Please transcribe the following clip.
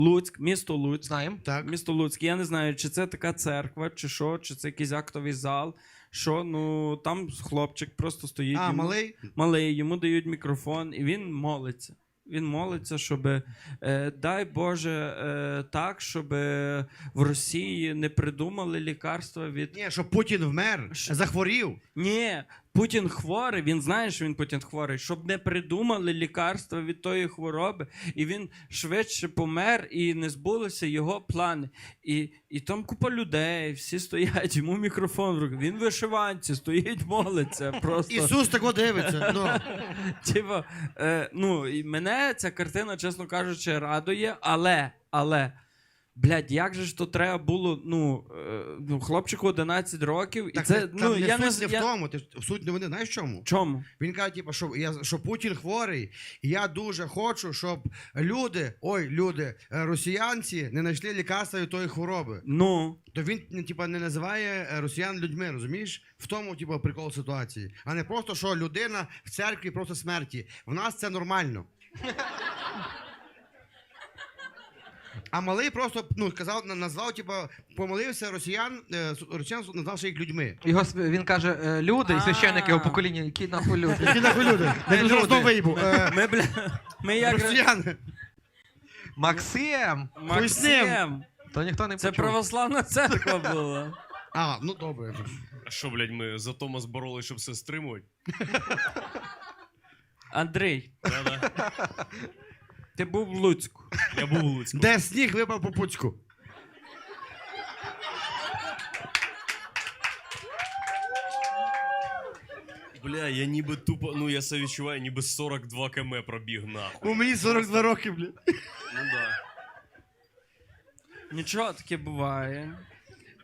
Луцьк, місто Луцьк. Знаємо, так. Місто Луцьк. Я не знаю, чи це така церква, чи що, чи це якийсь актовий зал. Що, ну, там хлопчик просто стоїть. А, малий? Малий, йому дають мікрофон, і він молиться. Він молиться, щоб, дай Боже, так, щоб в Росії не придумали лікарства від... Ні, щоб Путін вмер, захворів. Ні, Путін хворий, він знає, що він Путін хворий, щоб не придумали лікарства від тої хвороби, і він швидше помер, і не збулися його плани. І там купа людей, всі стоять, йому мікрофон в руки, він в вишиванці, стоїть, молиться просто. Ісус тако дивиться. Ну. Типа, ну, і мене ця картина, чесно кажучи, радує, але, блядь, як же ж то треба було, ну хлопчику 11 років, і Так, це, там ну, не я не... суть не в тому, суть новини, знаєш в чому? Чому? Він каже, типу, що Путін хворий, і я дуже хочу, щоб люди, росіянці не знайшли лікарства від тої хвороби. Ну... То він, типу, не називає росіян людьми, розумієш? В тому, типу, прикол ситуації. А не просто, що людина в церкві просто смерті. В нас це нормально. А малий просто, назвав, типу, помолився росіян назвавши їх людьми. Він каже, люди і священники його покоління, які нахуй люди. Які нахуй люди? Я вже розмов виїбу. Ми як... Росіяни. Максим! Максим! То ніхто не Це почув. православна церква була. А, ну добре. А що, блядь, ми за Томас боролись, щоб все стримувати? Андрій, Да-да. ти був в Луцьку. Я був у Луцьку. Де сніг випав по Пуцьку? Бля, я ніби тупо, ну я себе відчуваю, ніби 42 км пробіг нахуй. У мені 42 роки, блядь. Ну да. Нічого таке буває.